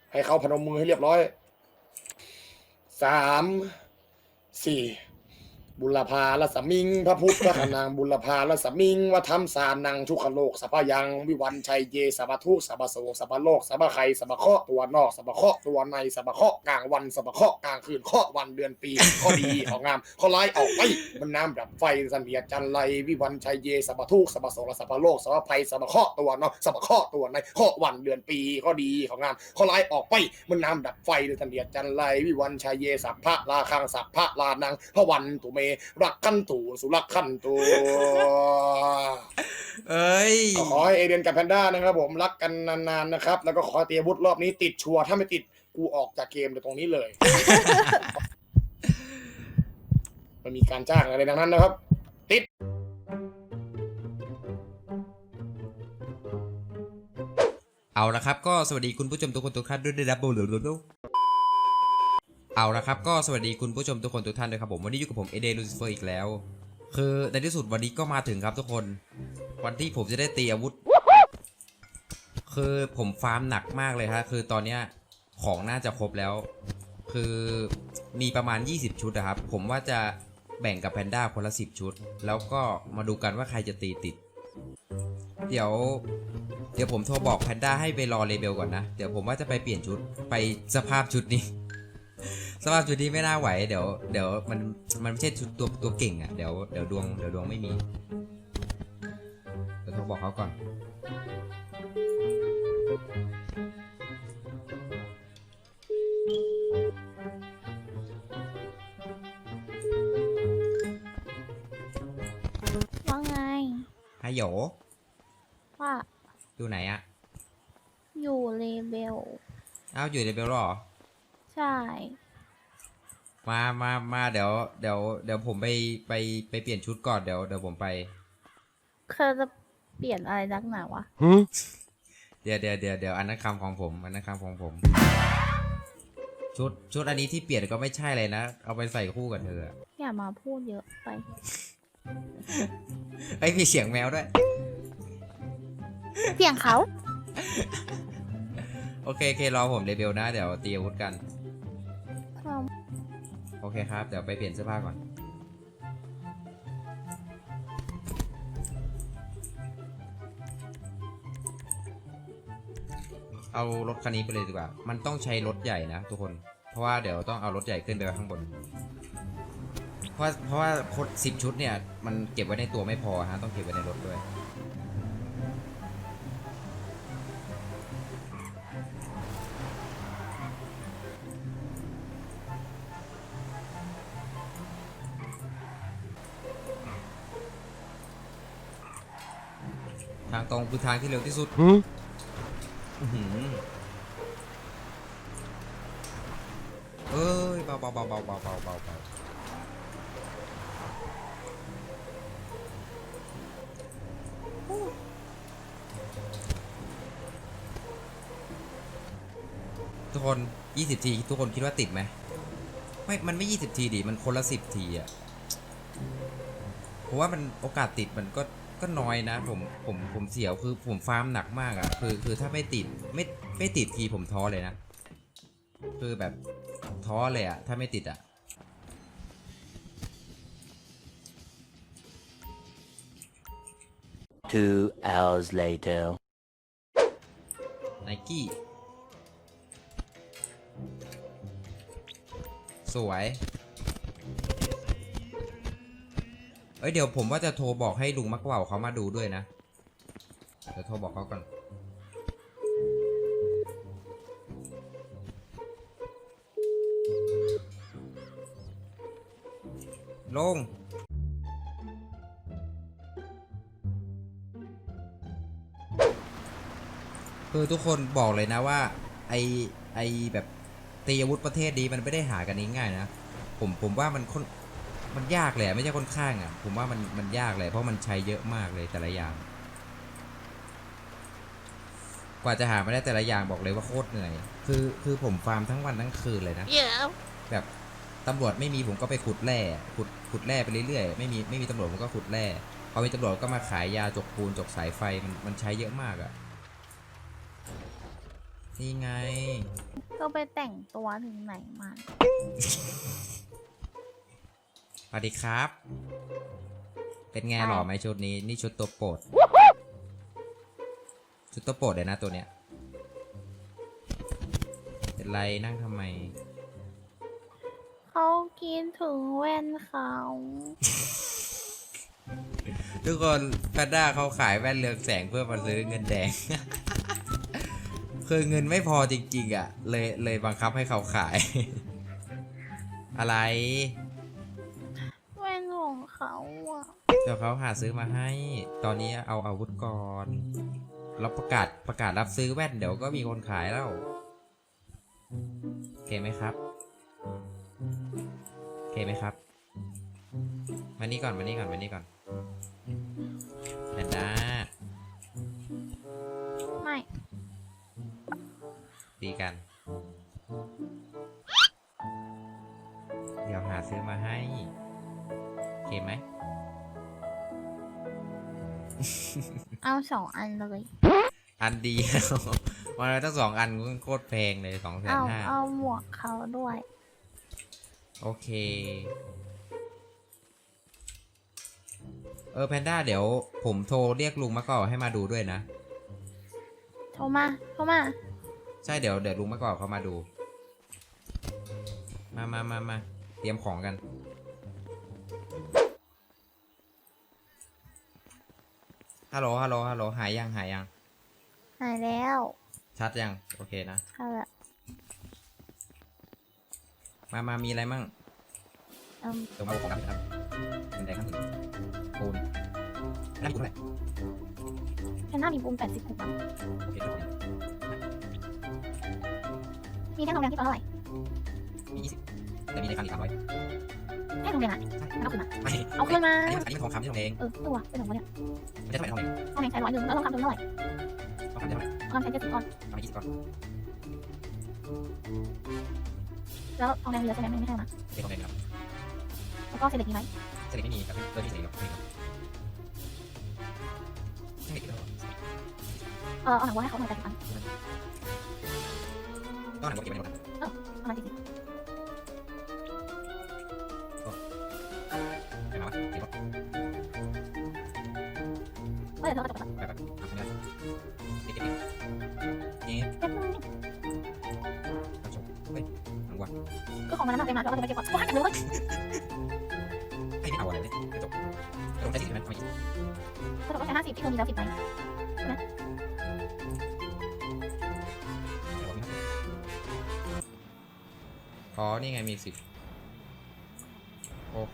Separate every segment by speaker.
Speaker 1: ให้เขาพนมมือให้เรียบร้อยสามสี่บุรพาลสมิงพระพุทธขนางบุรพาลสมิงวธรรมสานังทุกขโลกสัพยังวิวันชัยเยสัพทุสัพโสสัพโลกสัพไคสัพเคาะตัวนอกสัพเคาะตัวในสัพเคาะกลางวันสัพเคาะกลางคืนเคาะวันเดือนปีข้อดีของงามข้อร้ายออกไปมันน้ำดับไฟสันเดียจันไรวิวันชัยเยสัพทุสัพโสสัพโลกสัพไคสัพเคาะตัวนอกสัพเคาะตัวในเคาะวันเดือนปีข้อดีของงามข้อร้ายออกไปมันน้ำดับไฟสันเดียจันไรวิวันชัยเยสัพพะลาคังสัพพะลานังพระวันตุเมรักขันตูสุรักขันตู
Speaker 2: เอ้ย
Speaker 1: ขอให้เอเดนกับแพนด้านะครับผมรักกันนานๆนะครับแล้วก็ขอเตียวุฒิรอบนี้ติดชัวร์ถ้าไม่ติดกูออกจากเกมตรงนี้เลยมันมีการจ้างอะไรดังนั้นนะครับติด
Speaker 2: เอาละครับก็สวัสดีคุณผู้ชมทุกคนทุกท่านด้วยนะครับเอาละครับก็สวัสดีคุณผู้ชมทุกคนทุกท่านด้วยครับผมวันนี้อยู่กับผมเอเดนลูซิเฟอร์อีกแล้วคือในที่สุดวันนี้ก็มาถึงครับทุกคนวันที่ผมจะได้ตีอาวุธคือผมฟาร์มหนักมากเลยครับคือตอนเนี้ยของน่าจะครบแล้วคือมีประมาณ20ชุดนะครับผมว่าจะแบ่งกับแพนด้าคนละ10ชุดแล้วก็มาดูกันว่าใครจะตีติดเดี๋ยวผมโทรบอกแพนด้าให้ไปรอเลเบลก่อนนะเดี๋ยวผมว่าจะไปเปลี่ยนชุดไปสภาพชุดนี้สภาพชุดนี้ไม่น่าไหวเดี๋ยวมันไม่ใช่ชุดตัวเก่งอ่ะเดี๋ยวดวงไม่มีเดี๋ยวโทรบอกเขาก่อน
Speaker 3: ว่าไง
Speaker 2: ฮัลโหล
Speaker 3: ว่า
Speaker 2: อยู่ไหนอะ
Speaker 3: อยู่เลเบล
Speaker 2: อ้าวอยู่เลเบลหรอ
Speaker 3: ใช่
Speaker 2: มาเดี๋ยวผมไปเปลี่ยนชุดก่อนเดี๋ยวผมไป
Speaker 3: เธอจะเปลี่ยนอะไรนักหนาวะ
Speaker 2: เดี๋ยวอันนั้นคำของผมอันนั้นคำของผมชุดอันนี้ที่เปลี่ยนก็ไม่ใช่เลยนะเอาไปใส่คู่กับเธอ
Speaker 3: อย่ามาพูดเยอะไป
Speaker 2: ไอ้มีเสียงแมวด้วย
Speaker 3: เสียงเขา
Speaker 2: โอเครอผมเลเบลนะเดี๋ยวตีอาวุธกันโอเคครับเดี๋ยวไปเปลี่ยนเสื้อผ้าก่อนเอารถคันนี้ไปเลยดีกว่ามันต้องใช้รถใหญ่นะทุกคนเพราะว่าเดี๋ยวต้องเอารถใหญ่ขึ้นไปข้างบนเพราะว่า10ชุดเนี่ยมันเก็บไว้ในตัวไม่พอฮะต้องเก็บไว้ในรถด้วยทางตรงคือทางที่เร็วที่สุดเอ้ยเบาทุกคน20ทีทุกคนคิดว่าติดไหมไม่มันไม่20ทีดิมันคนละ10ทีอ่ะเพราะว่ามันโอกาสติดมันก็น้อยนะผมเสียวคือผมฟาร์มหนักมากอ่ะคือถ้าไม่ติดไม่ติดทีผมท้อเลยนะคือแบบท้อเลยอ่ะถ้าไม่ติดอ่ะ
Speaker 4: 2 hours later
Speaker 2: ไนกี้สวยเดี๋ยวผมว่าจะโทรบอกให้ลุงมักว่าวเขามาดูด้วยนะเดี๋ยวโทรบอกเขาก่อนลุงคือทุกคนบอกเลยนะว่าไอแบบตีอาวุธประเทศนี้มันไม่ได้หากันง่ายๆนะผมว่ามันยากเลยไม่ใช่ค่อนข้างอ่ะผมว่ามันยากเลยเพราะมันใช้เยอะมากเลยแต่ละอย่างกว่าจะหามาได้แต่ละอย่างบอกเลยว่าโคตรเหนื่อยคือผมฟาร์มทั้งวันทั้งคืนเลยนะ แบบตำรวจไม่มีผมก็ไปขุดแร่ขุดแร่ไปเรื่อยๆไม่มีตำรวจผมก็ขุดแร่พอมีตำรวจก็มาขายยาจกปูนจกสายไฟมันใช้เยอะมากอ่ะนี่ไง
Speaker 3: ก็ไปแต่งตัวถึงไหนมา
Speaker 2: สวัสดีครับ เป็นไงหล่อไหมชุดนี้ นี่ชุดตัวโปรด ชุดตัวโปรดเลยนะตัวเนี้ย เป็นไรนั่งทำไม
Speaker 3: เขากินถึงแว่นเขา
Speaker 2: ทุกคนแพนด้าเขาขายแว่นเรืองแสงเพื่อมาซื้อเงินแดง คือเงินไม่พอจริงๆอ่ะ เลยบังคับให้เขาขาย อะไร
Speaker 3: แว่นของเขาอ่ะ
Speaker 2: เดี๋ยวเขาหาซื้อมาให้ ตอนนี้เอาอาวุธก่อนแล้วประกาศรับซื้อแว่นเดี๋ยวก็มีคนขายแล้วโอเคไหมครับโอเคไหมครับ มานี่ก่อนแพนด้า
Speaker 3: ไม่
Speaker 2: ดีกัน เดี๋ยวหาซื้อมาให้โอเคไหม
Speaker 3: เอา2 อันเลย
Speaker 2: อันเดียว วันละตั้ง2 อันก็โคตรแพงเลย2,500,000
Speaker 3: เอาหมวกเขาด้วย
Speaker 2: โอเค แพนด้าเดี๋ยวผมโทรเรียกลุงมะกอกให้มาดูด้วยนะ
Speaker 3: โทรมา
Speaker 2: ใช่เดี๋ยวลุงมะกอกเขามาดู มาเตรียมของกัน ฮัลโหลหายยัง
Speaker 3: หายแล้ว
Speaker 2: ชัดยัง โอเคนะ
Speaker 3: ค่ะละ
Speaker 2: มามีอะไรมั่ง
Speaker 3: เอิ่ม
Speaker 2: เดี๋ยวมาเอาของครับเป็นแดงครับปูนได้ปูนเท่าไหร่
Speaker 3: แค่หน้ามีปูม80ถูกปะ
Speaker 2: โอเคทุกคน
Speaker 3: มีแค่โรงเรียนที่ตัวเท่าไหร่
Speaker 2: มี20แต่มีในคันอีก300
Speaker 3: แค่โรงเรียนอ่ะ
Speaker 2: ใช่
Speaker 3: เอาคืนมา
Speaker 2: ไม่
Speaker 3: เอาคืนมา
Speaker 2: อันนี้มันทองคำที่ทองแดง
Speaker 3: ตัวเป็นของวะเนี่ย
Speaker 2: ไม่ใช่ทองแดง
Speaker 3: ทองแดงใช้100 แล้วทองคำเป็นเท่าไหร่
Speaker 2: ทองคำเท่าไหร่
Speaker 3: ทองคำใช้70 ก้อน
Speaker 2: ทองคำ20 ก้อน
Speaker 3: แล้วทองแดงเหลือใช่ไหมไม่ใช่มา
Speaker 2: เด็กทองแดงครับ
Speaker 3: แล้วก็เศษเหล็กมีไหม
Speaker 2: เสร็จไม่มีครับเพิ่มที่เสร็จครับไม่ครับไม่ติดแล้ว
Speaker 3: เอาหนังวัวให้เขาหน่อย80 อัน
Speaker 2: ก็หนังวัวเก็บไว้ในรถนะ
Speaker 3: ประมาณ40
Speaker 2: ไปมาวะเก็บรถ
Speaker 3: เดี๋ยวเราจะจบแล้ว
Speaker 2: ไปทำไม่ได้เก็บนี่
Speaker 3: เก็บเลย
Speaker 2: ทำชมเฮ้ยหนังวัว
Speaker 3: ก็ของมันนั้นเต็มมาแล้วก็จะไปเก็บก่อนว้าเก็บเลย
Speaker 2: ไอ้นี่เอาอะไรเลยจบลงได้40 ใช่ไหมเอา20
Speaker 3: ก็ต้องใช้50ที่เธอมีแล้ว10ไหม
Speaker 2: อ๋อ นี่ไงมี10โอเค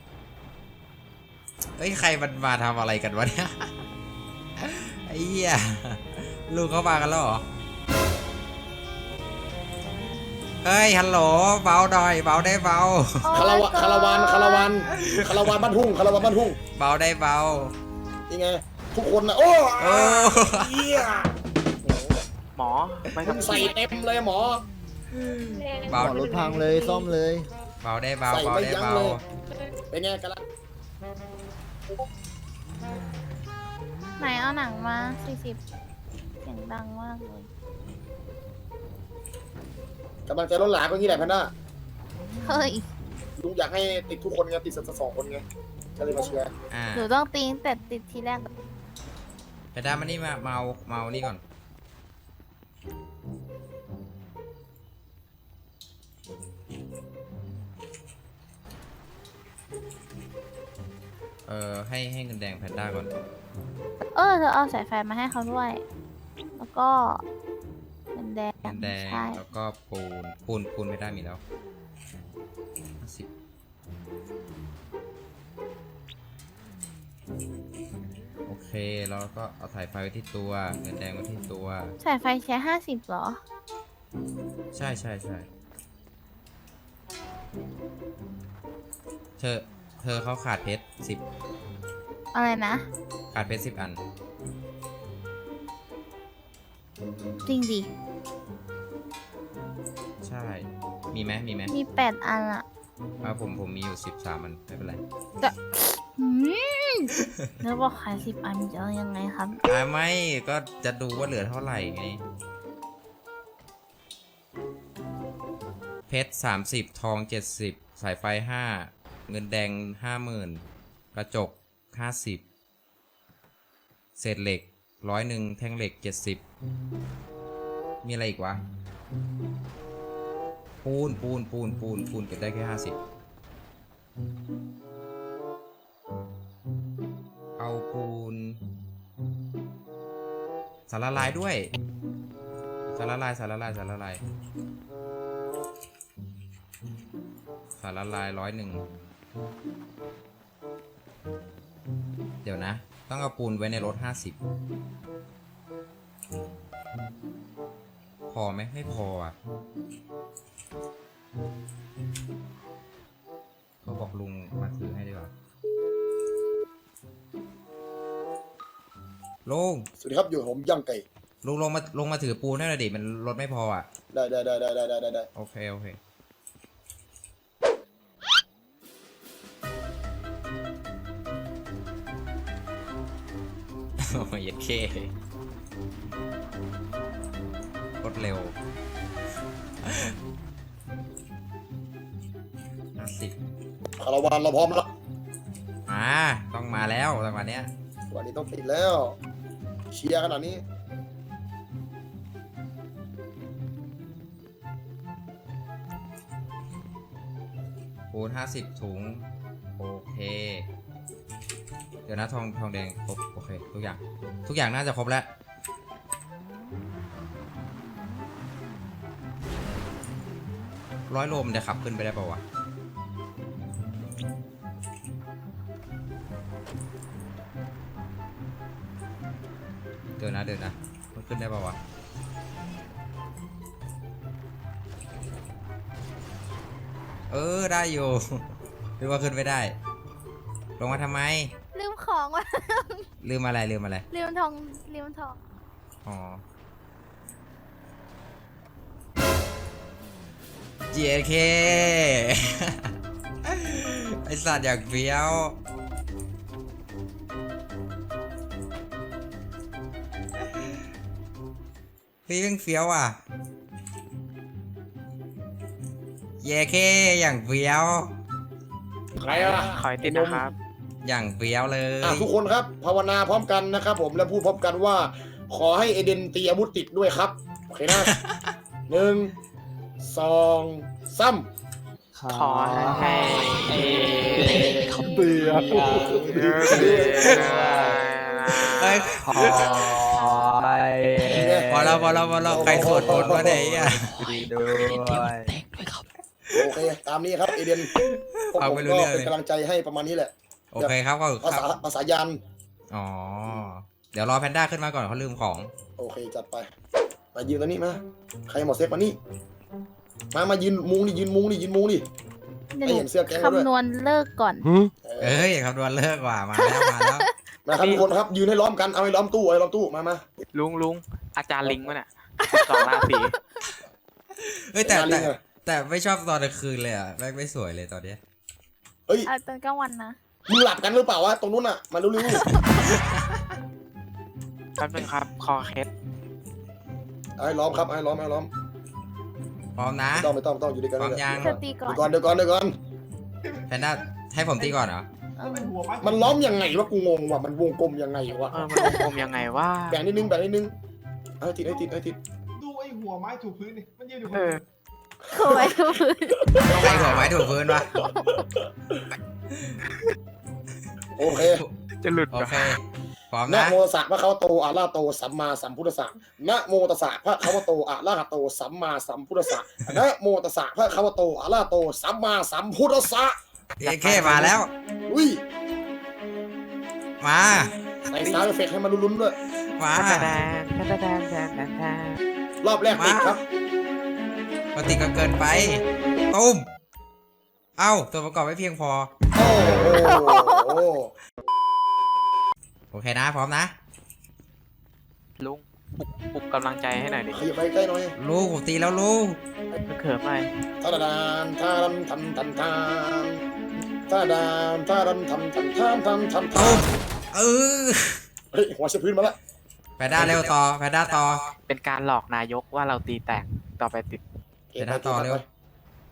Speaker 2: เฮ้ย ใครมันมาทำอะไรกันวะเนี่ย ไอ้เหี้ยลูกเขามากันแล้วเหรอ เฮ้ย ฮัลโหล เบาหน่อย เบาได้เบา
Speaker 1: คาราวานบ้านทุ่ง
Speaker 2: เบาได้เบา
Speaker 1: นี่ไงทุกคนนะโอ้
Speaker 2: โอ้
Speaker 1: เหี้ย
Speaker 5: หมอไม่
Speaker 1: มึงใส่เต็มเลยหมอ
Speaker 2: เบา
Speaker 6: รถพังเลยซ่อมเลย
Speaker 2: เบาได้เบา
Speaker 1: ใส่
Speaker 2: เบา
Speaker 1: ไม่
Speaker 2: ได้
Speaker 1: ยั้ง
Speaker 2: เบา
Speaker 1: เลยเป็นไงกันละ
Speaker 3: ไหนเอาหนังมา40เสียงดังมากเลย
Speaker 1: กำลังใจล้นหลามก็งี้แหละแพนด้า
Speaker 3: เฮ้ย
Speaker 1: ลุงอยากให้ติดทุกคนไงติดสัก2 คนไงก็เลยมาเชียร์
Speaker 2: อ่า
Speaker 3: หนูต้องตีตั้งแต่ติดทีแรก
Speaker 2: ไปด้ามานี่มาเมานี่ก่อน ให้เงินแดงแพนด้าก่อน
Speaker 3: เธอเอาสายไฟมาให้เขาด้วย แล้วก็เป็นแดง
Speaker 2: เงินแดง
Speaker 3: ใช่
Speaker 2: แล้วก็ปูนไม่ได้มีแล้ว10โอเค แล้วก็เอาถ่ายไฟไว้ที่ตัว เงินแดงไว้ที่ตัว
Speaker 3: สายไฟใช้50เหรอ
Speaker 2: ใช่เธอเขาขาดเพชร10
Speaker 3: อะไรนะ
Speaker 2: ขาดเพชร10 อัน
Speaker 3: จริงดิ
Speaker 2: ใช่ มีไหม
Speaker 3: มี8 อันอะ
Speaker 2: ผมมีอยู่13 อัน ไม่เป็นไร
Speaker 3: หืมแล้วบอกขาย10 อันจะเอายังไงครับ
Speaker 2: ไม่ก็จะดูว่าเหลือเท่าไหร่ไงเพชร30ทอง70สายไฟ5เงินแดง50,000กระจก50เศษเหล็ก100แท่งเหล็ก70มีอะไรอีกวะปูนเก็บได้แค่50เอาปูนสารละลายด้วยสารละลาย100เดี๋ยวนะต้องเอาปูนไว้ในรถ50พอไหมไม่พออ่ะเขาบอกลุงมาถือให้ดีกว่าลุง
Speaker 1: สวัสดีครับอยู่ผมย่างไก่
Speaker 2: ลุงลงมาถือปูนให้หน่อยดิมันรถไม่พออ่ะ
Speaker 1: ได้
Speaker 2: โอเคโอ้ยเครถเร็ว50
Speaker 1: คาราวานเราพร้อมแล้ว
Speaker 2: ต้องมาแล้วจังหวะเนี้ย
Speaker 1: วันนี้ต้องติดแล้วเชียร์ขนาดนี้
Speaker 2: ปูน50ถุงโอเคเดี๋ยวนะทองแดงครบโอเคทุกอย่างน่าจะครบแล้ว100 โลมันจะขับขึ้นไปได้ป่าวะเดี๋ยวนะมันขึ้นได้ป่าวะได้อยู่หรือว่าขึ้นไม่ได้ลงมาทำไม
Speaker 3: ลืมของว่ะ
Speaker 2: ลืมอะไร
Speaker 3: ลืมทอง
Speaker 2: อ๋อ JK ไอสัตว์อยากเฟี้ยวพี่เพิ่งเฟี้ยวอ่ะ JK อย่างเฟี้ยว
Speaker 1: ใครอ่ะ
Speaker 5: ขอให้ติดนะครับ
Speaker 2: อย่างเฟี้ยวเลย
Speaker 1: ทุกคนครับภาวนาพร้อมกันนะครับผมและพูดพร้อมกันว่า ขอให้เอเดนตีอาวุธติดด้วยครับโอเคนะ 1 2 3
Speaker 5: ขอให้
Speaker 1: เบื่อ
Speaker 2: เฮ้ย
Speaker 4: ขอให้
Speaker 2: พอแล้วใครสวดมนต์วะเนี่ยไอ้เหี้ย
Speaker 4: ดีด้วย
Speaker 1: โอเคตามนี้ครับเอเดนพวก
Speaker 2: เอา
Speaker 1: ผม
Speaker 2: ไม่รู้
Speaker 1: ก็
Speaker 2: เรื่องเลย
Speaker 1: เป็นกำลังใจให้ประมาณนี้แหละ
Speaker 2: โอเคครับก็
Speaker 1: ภาษายาน
Speaker 2: อ๋อ เดี๋ยวรอแพนด้าขึ้นมาก่อนเขาลืมของ
Speaker 1: โอเคจัดไปมายืนตรงนี้มาใครหมดเซ็กมานี่มายืนมุงดิยืนมุงดิ
Speaker 3: เดี๋ยว
Speaker 1: ให้
Speaker 3: หนู
Speaker 1: เห็นเสื้อแก๊งเราด้วย
Speaker 3: คำนวณเลิกก่อน
Speaker 2: เอ้ยคำนวณเลิกว่ามาแล้ว
Speaker 1: มาครับทุกคนครับยืนให้ล้อมกันเอาให้ล้อมตู้มา
Speaker 5: ลุงอาจารย์ลิงมั้ยเนี่ย12 ราศี
Speaker 2: เฮ้ยแต่
Speaker 1: มาลิงอะ
Speaker 2: แต่ไม่ชอบตอนกลางคืนเลยอ่ะแม่งไม่สวยเลยตอนเนี้ย
Speaker 1: เฮ้ย
Speaker 3: ตอนกลางวันนะ
Speaker 1: มึงหลับกันหรือเปล่าวะตรงนู้นอ่ะมาเร็ว
Speaker 5: แป๊บนึงครับ คอเคส
Speaker 1: ๆเอาให้ล้อมครับเอาให้ล้อม
Speaker 2: พร้อมนะ
Speaker 1: ไม่ต้องอยู่ด้วยกัน
Speaker 2: พร้อมยัง
Speaker 3: เธอตีก่อน
Speaker 1: เดี๋ยวก่อน
Speaker 2: แพนด้าให้ผมตีก่อนเหรอ
Speaker 1: มันล้อมยังไงวะกูงงว่ะมันวงกลมยังไงวะ
Speaker 5: มันวงกลมยังไงว่า
Speaker 1: แบ่งนิดนึงให้ติด
Speaker 6: ดูไอ้หัวไม้ถูพื้นนี่มันยืนอยู่บน
Speaker 3: โอ้ยทุกคน
Speaker 2: ใครหัวไม้ถูกพื้นวะ
Speaker 1: โอเค
Speaker 5: จะหลุด
Speaker 2: โอเคพร้อม
Speaker 1: นะ
Speaker 2: นะ
Speaker 1: โมตัสสะพระคะวะโตอะระหะโตสัมมาสัมพุทธัสสะนะโมตัสสะพระคะวะโตอะระหะโตสัมมาสัมพุทธัสสะนะโมตัสสะพระคะวะโตอะระหะโตสัมมาสัมพุทธัสสะ
Speaker 2: JK มาแล้ว
Speaker 1: อุ้ย
Speaker 2: มา
Speaker 1: ใส่ซาวด์เอฟเฟกต์ให้มันลุ้นๆด้วย
Speaker 2: มา
Speaker 1: รอบแรกติดครับ
Speaker 2: ปฏิก็เกินไปตุ้มเอ้าตัวประกอบไม่เพียงพอ
Speaker 1: โอ้โห
Speaker 2: โอเคนะพร้อมนะ
Speaker 5: ลุงปลุกกำลังใจให้หน่อยดิ
Speaker 1: ขยับไปใกล้หน่อย
Speaker 2: ลูกผมตีแล้วลูก
Speaker 5: เขิมหน่อย
Speaker 1: ทาดานทาดันทำทำทามทาดานทาดันทำทำทามทำทำทา
Speaker 2: ตุ้
Speaker 1: ม
Speaker 2: มเออ
Speaker 1: เฮ้ยหัวเชพื้นมาละ
Speaker 2: แพนด้าเร็วต่อแพนด้าต่อ
Speaker 5: เป็นการหลอกนายกว่าเราตีแตกต่อไปติด
Speaker 2: เดี๋ยวนะต่อเร็ว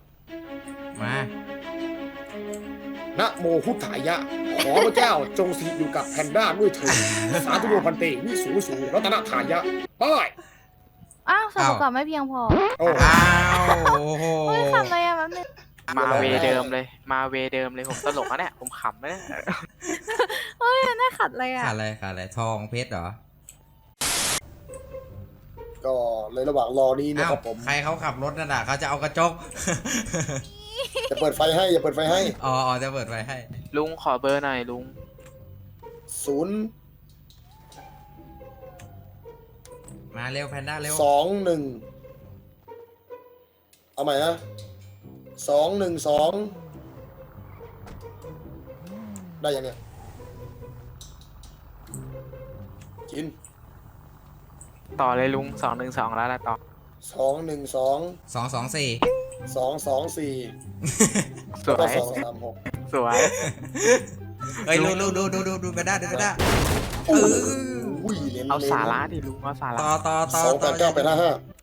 Speaker 2: มา
Speaker 1: นะโมพุทธายะ ขอพระเจ้าจงสถิตอยู่กับแพนด้าด้วยเถิดสาธุโยพันเตวิสูสูรัตนทายะไป
Speaker 3: อ้าวส่วนประกอบไม่เพียงพอ
Speaker 1: โอ้
Speaker 2: อ้าวโอ้โห
Speaker 3: เฮ้ยขับอะไรอะแป๊บนึง
Speaker 5: มาเวเดิมเลย มาเวเดิมเลยผมตลกนะเนี่ยผมขำนะเนี่ย
Speaker 3: เฮ้ยน่าขัดเลยอะ
Speaker 2: ขาดอะไรขาดอะไรทองเพชรเหรอ
Speaker 1: ก็เลยระหว่างรอนี้นะ
Speaker 2: อ้าว
Speaker 1: ครับผม
Speaker 2: ใครเขาขับรถนั่นน่ะเขาจะเอากระจก
Speaker 1: จะเปิดไฟให้อย่าเปิดไฟให้
Speaker 2: อ๋อจะเปิดไฟให้
Speaker 5: ลุงขอเบอร์หน่อยลุง
Speaker 1: 0
Speaker 2: มาเร็วแพนด้าเร็ว
Speaker 1: 2 1เอาใหม่นะ2 1 2ได้ยังเนี่ยจิน
Speaker 5: ต่อเลยลุง212แล้วนะต่อ
Speaker 1: 2 1 2
Speaker 2: 224
Speaker 1: 2 2 4
Speaker 5: สว
Speaker 1: ก็
Speaker 5: ย
Speaker 1: 2 3 6
Speaker 5: สวย
Speaker 2: เฮ้ยดูแพนด้าดูแพนด้า
Speaker 1: โอ้ยเน้น
Speaker 5: เอาสาระดิลุงเอาสาระ
Speaker 2: ต่อ
Speaker 1: 2 8 9 8 5 5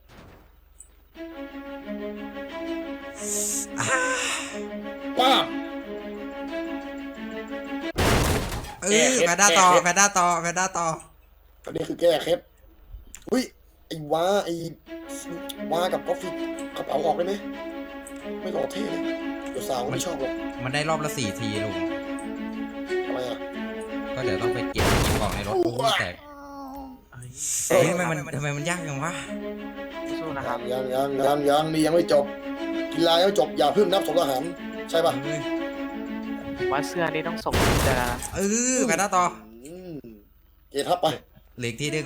Speaker 1: ป้าบ
Speaker 2: แพนด้าต่อแพนด้าต่อ
Speaker 1: อันนี้คือแก้เคล็ดอุ้ยไอ้ว้ากับกาแฟกระเป๋าออกได้ไหมไม่หล่อเท่เลยเดี๋ยวสาวไม่ชอบหรอก
Speaker 2: มันได้รอบละ4 ทีลุง
Speaker 1: ทำไมอ่ะ
Speaker 2: ก็เดี๋ยวต้องไปเก็บกล่องในรถโอ้โหแตก
Speaker 5: เอ้ย
Speaker 2: เฮ้ยทำไมมันยากจังวะ
Speaker 5: สู้นะครับ
Speaker 1: ยังนี่ยังไม่จบกีฬายังไม่จบอย่าเพิ่งนับสมทหารใช่ป่ะ
Speaker 5: ว่าเสื้อนี่ต้องส่งจะ
Speaker 2: แพนด้าต่อ
Speaker 1: อืมเกทับไป
Speaker 2: เหล็กที่หนึ่ง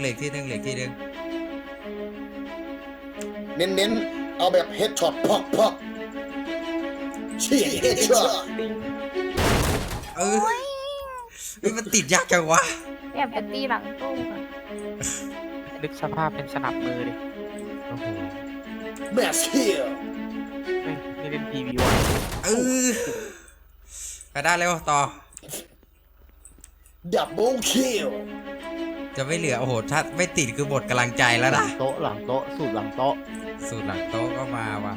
Speaker 1: เน้นเอาแบบเฮดช็อตพักเชี่ยเฮดช็อต
Speaker 2: นี่มันติดยากจังวะ
Speaker 3: แอบไปตีหลังตู้ก่อน
Speaker 5: นึกสภาพเป็นสนับมือดิ
Speaker 2: โอ้โห
Speaker 1: แมสเคีย
Speaker 5: ไม่เล่นทีวีวะ
Speaker 2: แพนด้าเร็วต่อ
Speaker 1: ดับเบิลคิล
Speaker 2: จะไม่เหลือโอ้โหถ้าไม่ติดคือหมดกำลังใจแล้ว
Speaker 4: หลั
Speaker 2: นะ
Speaker 4: งโต๊ะหลังโต๊ะสูตรหลังโต๊ะ
Speaker 2: สูตรหลังโต๊ะก็มาว่ะ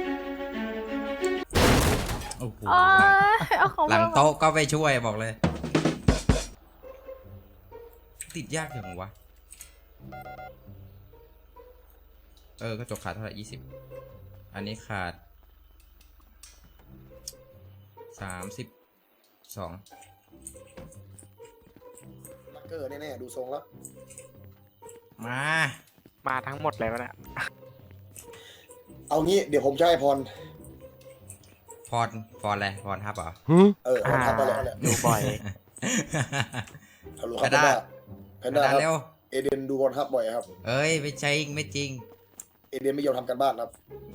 Speaker 2: โอ้โห
Speaker 3: โอ้ยเอาของ
Speaker 2: หลังโต๊ะก็ไปช่วยบอกเลย ติดยากจังวะกระจกขาดเท่าไหร่20 อันนี้ขาด32
Speaker 1: ลักเกอร์แน่ๆดูทรงแล้ว
Speaker 2: มา
Speaker 5: ทั้งหมดเลยวะเนี่ย
Speaker 1: เอางี้เดี๋ยวผมจะให้พร
Speaker 2: พรอะไรพรทับเหรอ
Speaker 1: พรทับไปแล้วแหละ
Speaker 5: ดูบ่อย
Speaker 1: ฮัลโหลครับแพนด้าค
Speaker 2: เร็
Speaker 1: รั
Speaker 2: ว
Speaker 1: บเอเดนดูพรทับบ่อยครับ
Speaker 2: เอ้ยไม่จริง
Speaker 1: เอเดนไม่ยอมทำกันบ้านครับ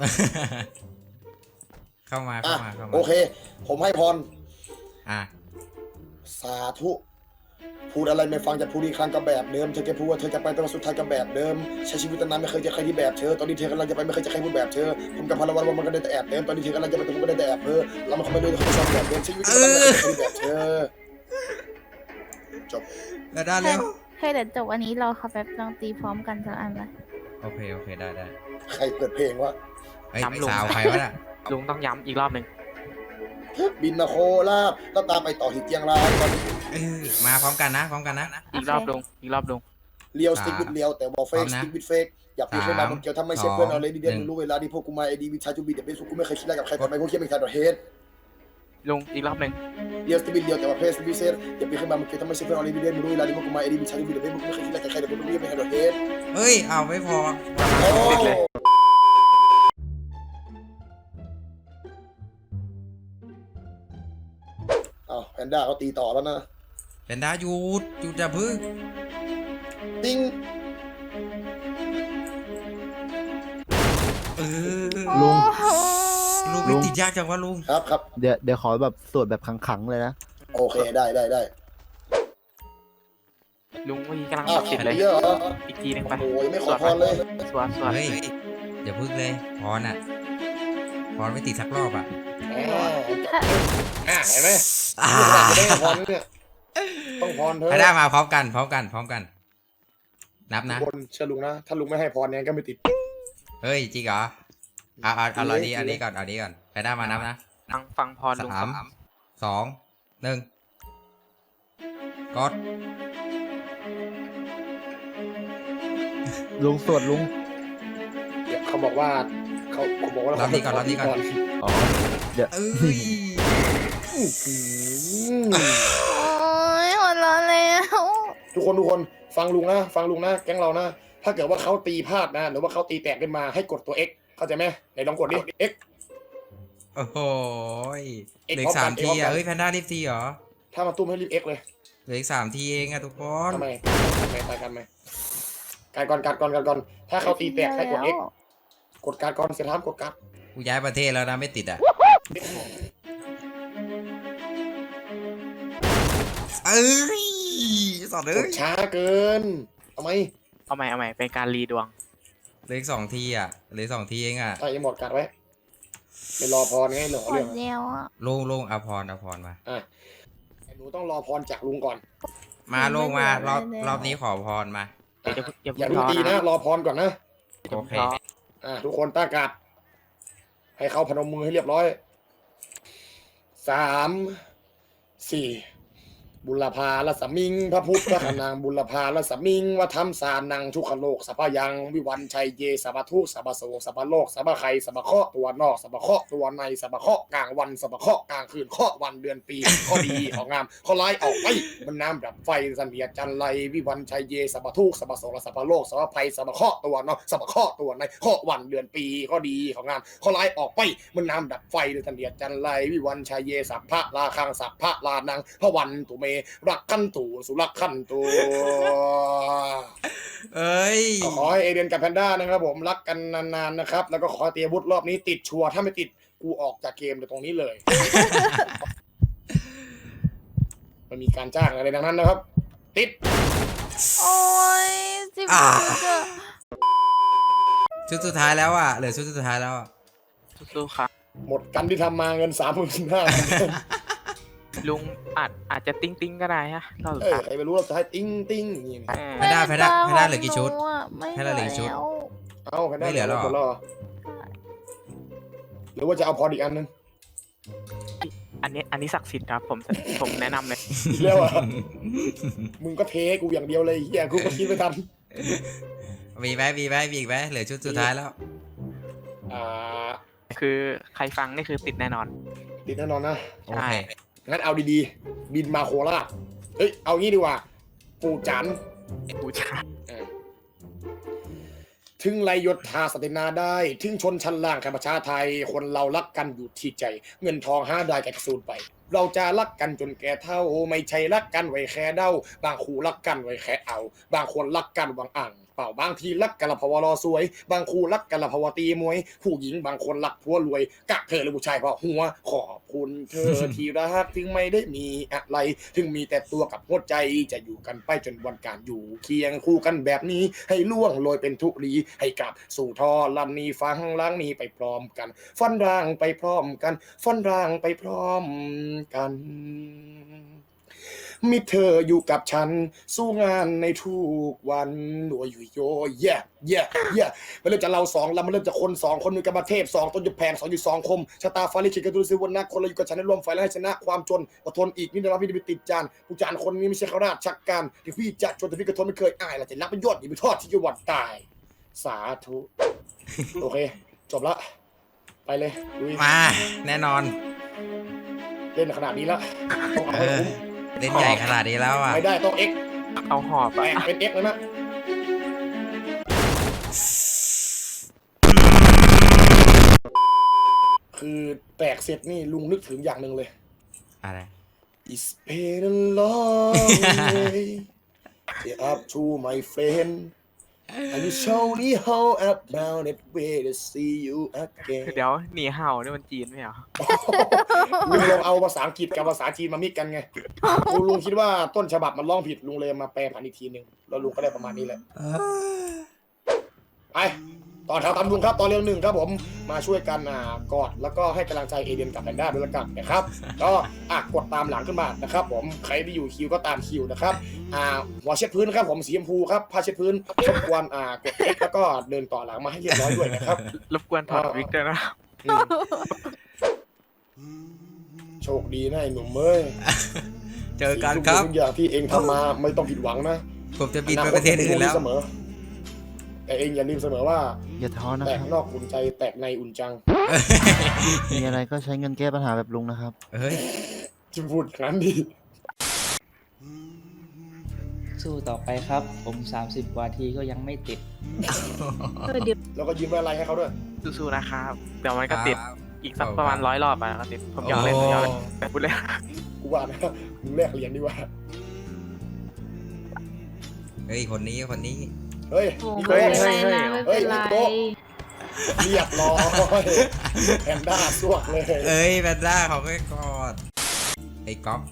Speaker 2: เข้ามา
Speaker 1: โอเค ผมให้พร
Speaker 2: อ่ะ
Speaker 1: สาธุพูดอะไรไม่ฟังจะพูดอีกครั้งก็แบบเดิมเธอจะพูดว่าเธอจะไปแต่ว่าสุดท้ายก็แบบเดิมใช้ชีวิตตอนนั้นไม่เคยเจอใครที่แบบเธอตอนนี้เธอกำลังจะไปไม่เคยเจอใครพูดแบบเธอผมกับพลวันว่ามันก็ได้แต่แอบเดิมตอนนี้เธอกำลังจะไปแต่ผมก็ได้แต่แอบเธอเรามันคงไม่รู้เขาไม่ชอบแบบเดิมชีวิตตอนนั้นไม่เคยเจอใครที่แบบเธอจบ
Speaker 2: แล้วได้เร็ว
Speaker 3: เฮ้ยเดี๋ยวจบวันนี้เราขับแบบลองตีพร้อมกันสักอันไหม
Speaker 2: โอเคได้
Speaker 1: ใครเปิดเพลงวะ
Speaker 2: เฮ้ย
Speaker 5: ย้ำลุง
Speaker 2: สาวใครวะน่ะ
Speaker 5: ลุงต้องย้ำอีกรอบหนึ่ง
Speaker 1: บินมาโคราชแล้วตามไปต่อที่เจียงราย
Speaker 2: มาพร้อมกันนะ
Speaker 5: อีกรอบลุงอีกรอบลุง
Speaker 1: เลียวสติ๊กวิดเลียวแต่บอกเฟกสติ๊กวิดเฟกอย่าปีขึ้นมาบนเกี่ยวถ้าไม่ใช่เพื่อนเอาเลยดีเด่นรู้เวลาที่พวกกูมาไอดีวิชาจูบีเดบิสกูไม่เคยคิดอะไรกับใครแต่ไม่พวกเคียไม่ใช่ดอทเฮด
Speaker 5: ลุงอีกรอบหนึ่ง
Speaker 1: เลียวสติ๊กวิดเลียวแต่ว่าเพสบิเซอร์อย่าปีขึ้นมาบนเกี่ยวถ้าไม่ใช่เพื่อนเอาเลยดีเด่นรู้เวลาที่พวกกูมาไอดีวิชาจูบีเดบิสกูไม่เคยคิดอะไรกับใครแต่พวกกูไม่ใช่ดอทเฮด
Speaker 2: เฮ้ยเอาไม่พอ
Speaker 5: ติดเลย
Speaker 1: อ้าวแพนด้าเขาตีต่อแล้วนะ
Speaker 2: เป็นดาหยุดจะพึ่ง
Speaker 1: ติ้ง
Speaker 4: ลุง
Speaker 2: ลุงไม่ติดยากจังวะลุง
Speaker 1: ครับ
Speaker 4: เดี๋ยวขอแบบสวดแบบขังๆเลยนะ
Speaker 1: โอเคได้
Speaker 5: ลุงเมื่อกี้กำลัง
Speaker 1: อ้าว
Speaker 5: ติดเลย
Speaker 1: เยอะเหรอ
Speaker 5: อีกทีหนึงไป
Speaker 1: โอ้ยไม่ขอพรเลย
Speaker 5: สวด
Speaker 2: เฮ้ยอย่าพึ่งเลยพรไม่ติดสักรอบอ่ะ
Speaker 1: เห็นไหมไม่ได้พรเนี่ยต้องพรเธอ
Speaker 2: ให้ได้มาพร้อมกันนับนะ
Speaker 1: บนเชื่อลุงนะถ้าลุงไม่ให้พรเนี่ยก็ไม่ติด
Speaker 2: เฮ้ยจริงเหรอเอาอันนี้ก่อนให้ได้มานับนะ
Speaker 5: ฟังพรลุง
Speaker 2: สามสองหนึ่งกด
Speaker 4: ลุงสวดลุง
Speaker 1: เดี๋ยวเขาบอกว่าเขาบอกว่า
Speaker 2: รับนี้ก่อนรับนี้ก่อน
Speaker 4: อ๋อ เดี๋ยว
Speaker 2: เอ้ย
Speaker 1: อื้อหือ
Speaker 3: โอ้ยหัวเราะแล้ว
Speaker 1: ทุกคนฟังลุงนะแก๊งเรานะถ้าเกิดว่าเขาตีพลาดนะหรือว่าเขาตีแตกขึ้นมาให้กดตัว X เข้าใจไหมไหนลองกดดิ X
Speaker 2: โอ้โหย
Speaker 1: เอ็ก
Speaker 2: เหลือ
Speaker 1: พร้
Speaker 2: อี
Speaker 1: อม
Speaker 2: ก
Speaker 1: กัน
Speaker 2: สามที
Speaker 1: เอ็กพร้อมกัน
Speaker 2: อ่ะเฮ้ยแพนด้ารีบทีเหรอ
Speaker 1: ถ้ามาตุ้มให้รีบ X เลย
Speaker 2: เหลืออีกสามทีเองอะทุกคน
Speaker 1: ทำไมตายกันไหมการก่อนถ้าเขาตีแตกให้กด X กดการก่อนเสียท้ามกดการ
Speaker 2: กูย้ายประเทศแล้วนะไม่ติดอ่ะเอ้ยสอดเล
Speaker 1: ก
Speaker 2: ย
Speaker 1: ดช้าเกินทำไม
Speaker 5: เอาใหม่เป็นการรีดวง
Speaker 2: เหลืออีกสองทีอ่ะเหลืออกสองทีเองอ่ะ
Speaker 1: ใส่หมดกัดไว้ไม่รอพรไงเหลือ
Speaker 3: หัว
Speaker 1: เรื่อง
Speaker 3: เดียวอ่ะ
Speaker 2: ลงอภรมา
Speaker 1: อ่ะหนูต้องรอพรจากลุงก่อน
Speaker 2: มาลงมารอบนี้ขอพรมา
Speaker 1: อย่าเพิ่งตีนะรอพรก่อนนะ
Speaker 2: โอเค
Speaker 1: ทุกคนตั้งการ์ดให้เขาพนมมือให้เรียบร้อย3 4บุรพาลสมิงพระพุทธขนางบุรพาลสมิงวัฒมสานังทุกขโลกสัพพยังวิวันชัยเยสัพพทุกสัพพโสสัพพโลกสัพพไคสัพพเคราะห์ตัวนอกสัพพเคราะห์ตัวในสัพพเคราะห์กลางวันสัพพเคราะห์กลางคืนเคราะห์วันเดือนปีข้อดีของงามข้อร้ายออกไปมันน้ำดับไฟสันเดียจันไรวิวันชัยเยสัพพทุกสัพพโสสัพพโลกสัพพไคสัพพเคราะห์ตัวนอกสัพพเคราะห์ตัวในเคราะห์วันเดือนปีข้อดีของงามข้อร้ายออกไปมันน้ำดับไฟสันเดียจันไรวิวันชัยเยสัพพะลาคังสัพพะลานังพระวันตุเมรักขันตูสุรักขันตู
Speaker 2: เอ้ย
Speaker 1: ขอให้เอเดนกับแพนด้านะครับผมรักกันนานๆนะครับแล้วก็ขอเตรียมอาวุธรอบนี้ติดชัวร์ถ้าไม่ติดกูออกจากเกมจากตรงนี้เลย มันมีการจ้างอะไรดังนั้นนะครับ ติด
Speaker 3: โอ้ยจิบ
Speaker 2: อ่า
Speaker 3: จุด
Speaker 2: ชุดสุดท้ายแล้วอ่ะเหลือชุดสุดท้ายแล้วอ่ะ
Speaker 5: สู้ๆครับ
Speaker 1: หมดกันที่ทำมาเงิน35,000
Speaker 5: ลุงอาจจะติ้งก็ได้ฮะเราสุด
Speaker 1: เออ
Speaker 5: ท้าย
Speaker 1: ใครไม่รู้เราจะให้ติ้งติ้งอย่างนี้
Speaker 2: แพนด้าเหลือกี่ชุด
Speaker 3: ไม่
Speaker 2: ให้เราเหลือกี่ชุด
Speaker 3: แล้ว
Speaker 1: เอาแพนด้า
Speaker 2: ไม่เหลือแล้วเหรอ
Speaker 1: หมดแล้วเหรอหรือว่าจะเอาพออีกอันนึง
Speaker 5: อันนี้ศักดิ์สิทธิ์ครับผมแนะนำเลย
Speaker 1: อีกแล้วอ่ะมึงก็เทให้กูอย่างเดียวเลยเฮียกูก็คิดไม่ทัน
Speaker 2: มีไหมอีกไหมเหลือชุดสุดท้ายแล้ว
Speaker 1: อ่า
Speaker 5: คือใครฟังนี่คือติดแน่นอน
Speaker 1: ติดแน่นอนนะ
Speaker 2: โอเค
Speaker 1: งั้นเอาดีๆ บินมาโคราชเฮ้ย เอางี้ดีกว่า ปู่จัน
Speaker 5: บูชา
Speaker 1: ถึงไรยศทาสตินาได้ ถึงชนชั้นล่างแค่ประชาไทย คนเรารักกันอยู่ที่ใจ เงินทองห้าได้แก่กระสูนไป เราจะรักกันจนแก่เท่า ไม่ใช่รักกันไว้แค่เด้า บางคู่รักกันไว้แค่เอา บางคนรักกันหวังอ่างเปล่าบางทีรักกันละเพราะว่ารอสวย บางคู่รักกันละเพราะว่าตีมวย ผู้หญิงบางคนรักผัวรวยกะเธอหรือผู้ชายเพราะหัว ขอบคุณเธอ ที่รักถึงไม่ได้มีอะไร ถึงมีแต่ตัวกับหัวใจจะอยู่กันไปจนวันการอยู่เคียงคู่กันแบบนี้ ให้ล่วงโรยเป็นทุรีให้กลับสู่ทอลันนี้ฟังล้างนี้ไปพร้อมกันฟันร่างไปพร้อมกันฟันร่างไปพร้อมกันมีเธออยู่กับฉันสู้งานในทุกวันโดยอยู่โยแย่มันเริ่มจากเราสองแล้วมันเริ่มจากคนสองคนหนึ่งกับมาเทพสองต้นอยู่แพงสองอยู่สองคมชะตาฟ้าลิขิตกันดูสิวันนักคนเราอยู่กับฉันในร่วมไฟและให้ชนะความจนอดทนอีกนี่นะพี่จะไปติดจานผู้จานคนนี้ไม่ใช่ข้าราชการที่พี่จะจนแต่พี่กระทนไม่เคยอายและจะรับประโยชน์อย่าไปทอดที่จังหวัดตายสาธุโอเคจบละไปเลยลุย
Speaker 2: มาแน่นอน
Speaker 1: เล่นขนาดนี้แล้วต้องเอาให้คุ้ม
Speaker 2: เล่นใหญ่ขนาดนี้แล้วอ่ะ
Speaker 1: ไม่ได้ต้อง X
Speaker 5: เอาหอบ
Speaker 1: แปลงเป็น X แล้วนะคือแตกเสร็จนี่ลุงนึกถึงอย่างหนึ่งเลย
Speaker 2: อะไร
Speaker 1: It's been a long way up to my friend and you show me how about it way to see you again
Speaker 5: เดี๋ยวหนีเห่านี่มันจีนไหมเหรอ
Speaker 1: ลุงลองเอาภาษาอังกฤษกับภาษาจีนมามิกกันไงลุงคิดว่าต้นฉบับมันร้องผิดลุงเลยมาแปลผันอีกทีหนึ่งแล้วลุงก็ได้ประมาณนี้แหละไปต่อแถวตามลุงครับตอนเรื่องหนึ่งครับผมมาช่วยกันกอดแล้วก็ให้กำลังใจเอเดนกับแพนด้าด้วยละกันนะครับก็กดตามหลังขึ้นมานะครับผมใครที่อยู่คิวก็ตามคิวนะครับหัวเช็ดพื้นครับผมสีชมพูครับผ้าเช็ดพื้นรบกวนกดเอ็กแล้วก็เดินต่อหลังมาให้เรียบร้อยด้วยนะครับ
Speaker 5: รบกวนถอดวิกด้วยนะ
Speaker 1: อืมโชคดีนะไอ้หนุ่มเอ้ย
Speaker 2: เจอกันครับ
Speaker 1: ทุกอย่างที่เองทำมาไม่ต้องผิดหวังนะ
Speaker 2: ผมจะบินไปประเทศอื่นแล้ว
Speaker 1: เสมอ แต่เองอย่าลืมเสมอว่า
Speaker 4: อย่าท้อนะ
Speaker 1: แต
Speaker 4: ค
Speaker 1: ก
Speaker 4: รับ
Speaker 1: นอกอุ่นใจแตกในอุ่นจัง
Speaker 4: มีอะไรก็ใช้เงินแก้ปัญหาแบบลุงนะครับ
Speaker 2: เฮ้ย
Speaker 1: จะพูดอย่างนั้นดิ
Speaker 7: สู้ต่อไปครับ ผม 30 กว่าทีก็ยังไม่ติด
Speaker 1: แล้วก็ยืมอะไรให้เขาด้วย
Speaker 5: สู้ๆนะครับ เดี๋ยวมันก็ติด
Speaker 2: ครับ
Speaker 5: อีกสักประมาณ100 รอบอ่ะก็ติด ผมยอมเล่นผมยอมเล่นแต่พูดเล่น
Speaker 1: กูว่านะมึงแลกเหรียญดีกว่า
Speaker 2: เฮ้ย คนนี้
Speaker 1: เฮ้ย
Speaker 3: โอ้
Speaker 1: นี่
Speaker 3: ไม่
Speaker 1: โต๊ะ
Speaker 3: เป็นไรนะไม่เป็นไร
Speaker 1: เฮ้ย เรียบร้อยแพนด้าสวกเลย
Speaker 2: เอ้ยแบนด้าเขาก็กอดไอ้ก๊อฟ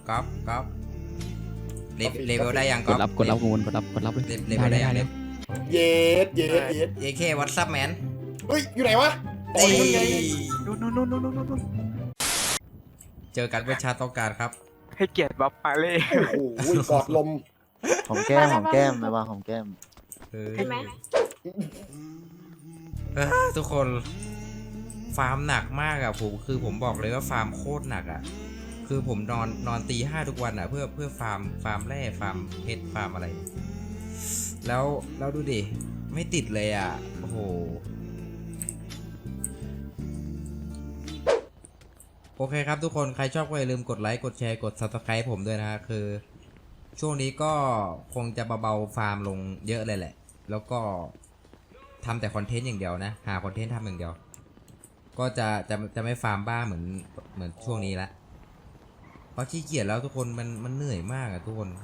Speaker 2: เลเวลได้ยัง
Speaker 8: ก
Speaker 2: ก๊อ
Speaker 8: ด
Speaker 2: ฟ
Speaker 8: รับกดรับเลย
Speaker 2: เลเวลได้ยังเนี่ย
Speaker 1: เย็ด
Speaker 2: เอเควัตซับแมน
Speaker 1: เฮ้ย อยู่ไหนวะอ๋อนี่ไง
Speaker 5: นู่น
Speaker 2: เจอกันเพื่อชาติต้องการครับ
Speaker 5: ให้เกียรติบ๊อบปาเล่
Speaker 1: โอ้โหกอดลม
Speaker 4: ของแก้มของแก้มไม่ว่าของแก้ม
Speaker 3: ใช่ไหม
Speaker 2: ทุกคน ฟาร์มหนักมากอะผมบอกเลยว่าฟาร์มโคตรหนักอะคือผมนอนตีห้าทุกวันอะเพื่อฟาร์มแร่ฟาร์มเพชรฟาร์มอะไร แล้วดูดิ ไม่ติดเลยอะโอ้โห โอเคครับทุกคนใครชอบก็อย่าลืมกดไลค์กดแชร์กด Subscribe ผมด้วยนะฮะคือ ช่วงนี้ก็คงจะเบาๆฟาร์มลงเยอะเลยแหละ แล้วก็ทำแต่คอนเทนต์อย่างเดียวนะ หาคอนเทนต์ทำอย่างเดียว ก็จะไม่ฟาร์มบ้าเหมือนช่วงนี้ละเพราะขี้เกียจแล้วทุกคนมันเหนื่อยมากอะทุกคน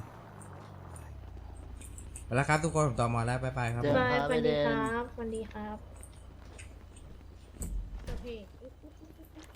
Speaker 2: ไปแล้วครับทุกคนผมต่อมาแล้วบ๊ายบายครับ
Speaker 4: เจอกันครับ
Speaker 9: สวัสดี
Speaker 4: ไอเดน
Speaker 9: ครับสวัสดีครับ